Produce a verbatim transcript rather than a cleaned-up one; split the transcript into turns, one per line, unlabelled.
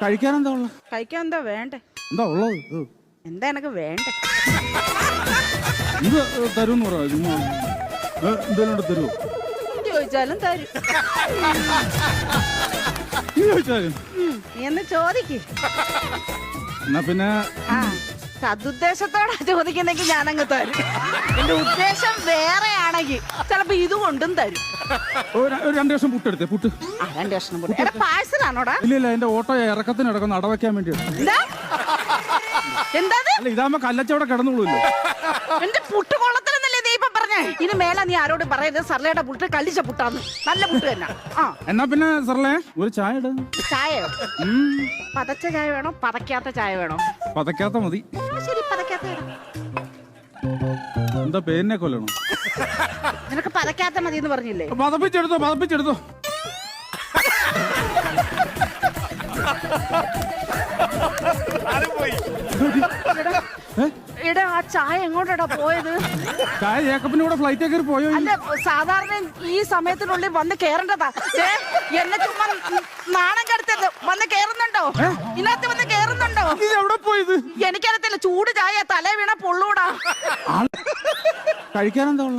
കഴിക്കാൻ എന്താ ഉള്ളത്?
കഴിക്കാൻ എന്താ വേണ്ടേ?
എന്താ ഉള്ളത്? ഇത്.
എന്താ എനക്ക് വേണ്ടേ?
ഇത് തരൂന്ന് പറയാ. എന്തേലും തരുമോ?
ചോദിച്ചാലും തരും.
ചോദിച്ചാലും
നീ എന്ന് ചോദിക്ക്.
എന്നാ പിന്നെ
ആ സതുദ്ദേശത്തോടെ ചോദിക്കുന്നെങ്കിൽ ഞാനങ്ങ് തരും. എന്റെ ഉദ്ദേശം വേറെയാണെങ്കിൽ ചിലപ്പോ ഇത് കൊണ്ടും തരും.
ഒരു ഒരു രണ്ട് ലക്ഷം പുട്ടെടുത്തേ. പുട്ട്
ആ രണ്ട് കഷ്ണം പുട്ട്. എടാ പാഴ്സലാണോടാ?
ഇല്ല ഇല്ല, എന്റെ ഓട്ടോ ഇറക്കത്തിന് ഇടക്കുന്ന അടവയ്ക്കാൻ വേണ്ടി.
എന്താ എന്താ
അല്ല, ഇതാകുമ്പോ കല്ലച്ചവിടെ കിടന്നുള്ളൂല്ലോ.
എന്റെ പുട്ട് കൊള്ളത്തിലെന്നല്ലേ നീ ഇപ്പൊ പറഞ്ഞേ? ഇനി മേലെ നീ ആരോട് പറയരുത് സർലയുടെ പുട്ട് കല്ലിച്ച പുട്ടാന്ന്. നല്ല പുട്ട് തന്നെ. ആ
എന്നാ പിന്നെ സർലേ ഒരു ചായ ഇട.
ചായയോ? പതച്ച ചായ വേണോ പതക്കാത്ത ചായ വേണോ?
പതക്കാത്ത മതി.
ആ, ശരി പതക്കാത്ത ഇടാം.
എന്താ പേരിനെ കൊല്ലണോ?
നിനക്ക് പതക്കാത്ത മതി എന്ന് പറഞ്ഞില്ലേ?
പതപ്പിച്ചെടുത്തോ പതപ്പിച്ചെടുത്തോ.
എടാ ആ ചായ എങ്ങോട്ടാ പോയത്?
ചായ ജേക്കബിന്റെ കൂടെ ഫ്ലൈറ്റ് കയറി പോയോ?
അല്ല, സാധാരണ ഈ സമയത്തിനുള്ളിൽ വന്ന് കേറേണ്ടതാ. ദേ, എന്നെ ചുമ്മാ നാണം കെടുത്തത്. വന്ന് കേറുന്നുണ്ടോ? ഇതിനകത്ത് വന്ന് കേറുന്നുണ്ടോ?
ഇത് എവിടെ പോയത്?
എനിക്കറിയത്തില്ല. ചൂട് ചായ തല വീണ പൊള്ളൂടാ.
കഴിക്കാൻ എന്താ?